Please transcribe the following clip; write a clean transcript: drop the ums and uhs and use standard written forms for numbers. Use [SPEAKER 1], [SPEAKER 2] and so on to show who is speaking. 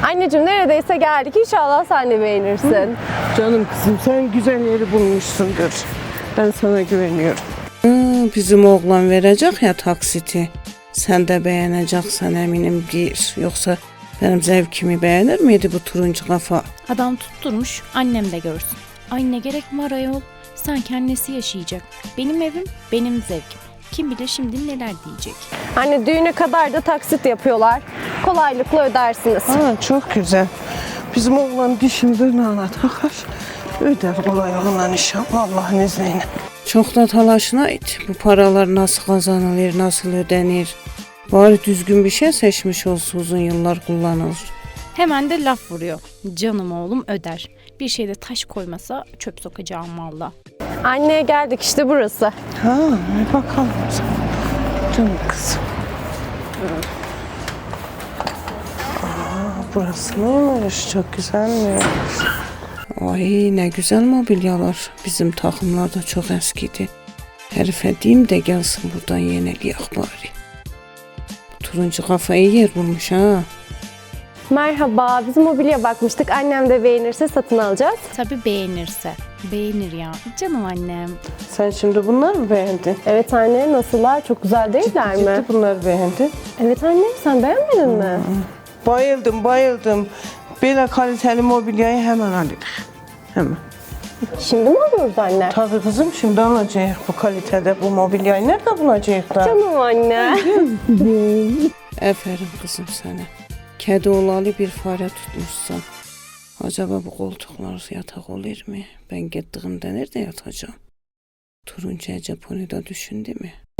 [SPEAKER 1] Anneciğim neredeyse geldik. İnşallah sen de beğenirsin.
[SPEAKER 2] Canım kızım sen güzel yeri bulmuşsundur. Ben sana güveniyorum.
[SPEAKER 3] Bizim oğlan verecek ya taksiti. Sen de beğeneceksen eminim gir. Yoksa benim zevkimi beğenir miydi bu turuncu kafa?
[SPEAKER 4] Adam tutturmuş, annem de görsün. Ay ne gerek var ayol? Sanki annesi yaşayacak. Benim evim, benim zevkim. Kim bilir şimdi neler diyecek.
[SPEAKER 1] Anne düğüne kadar da taksit yapıyorlar. Kolaylıkla ödersiniz.
[SPEAKER 2] Ha, çok güzel. Bizim oğlan dişini ala takar. Öder kolay olan inşallah Allah'ın izniyle.
[SPEAKER 3] Çok da talaşına it. Bu paralar nasıl kazanılır, nasıl ödenir? Bari düzgün bir şey seçmiş olsa uzun yıllar kullanılır.
[SPEAKER 4] Hemen de laf vuruyor. Canım oğlum öder. Bir şeyde taş koymasa çöp sokacağım valla.
[SPEAKER 1] Anneye geldik işte burası.
[SPEAKER 2] Ha, bir bakalım. Canım kızım. Burası neymiş? Çok güzelmiş.
[SPEAKER 3] Ay ne güzel mobilyalar. Bizim takımlar da çok eskidi. Herife diyeyim de gelsin buradan yenileyek bari. Turuncu kafayı yer bulmuş ha.
[SPEAKER 1] Merhaba, biz mobilya bakmıştık. Annem de beğenirse satın alacağız.
[SPEAKER 4] Tabii beğenirse. Beğenir ya. Canım annem.
[SPEAKER 2] Sen şimdi bunları mı beğendin?
[SPEAKER 1] Evet anne, nasıllar? Çok güzel değiller mi?
[SPEAKER 2] Ciddi bunları beğendin.
[SPEAKER 1] Evet anne, sen beğenmedin mi?
[SPEAKER 2] Bayıldım. Böyle kaliteli mobilyayı hemen alayım. Hemen.
[SPEAKER 1] Şimdi mi alıyoruz anne?
[SPEAKER 2] Tabii kızım şimdi alacağız bu kalitede bu mobilyayı. Nerede bulacağız da?
[SPEAKER 1] Canım anne.
[SPEAKER 3] Aferin kızım sana. Kedi olalı bir fare tutmuşsan. Acaba bu koltuklar yatak olur mu? Ben gittiğimde nerede yatacağım? Turuncu Japonya'da düşündü mü?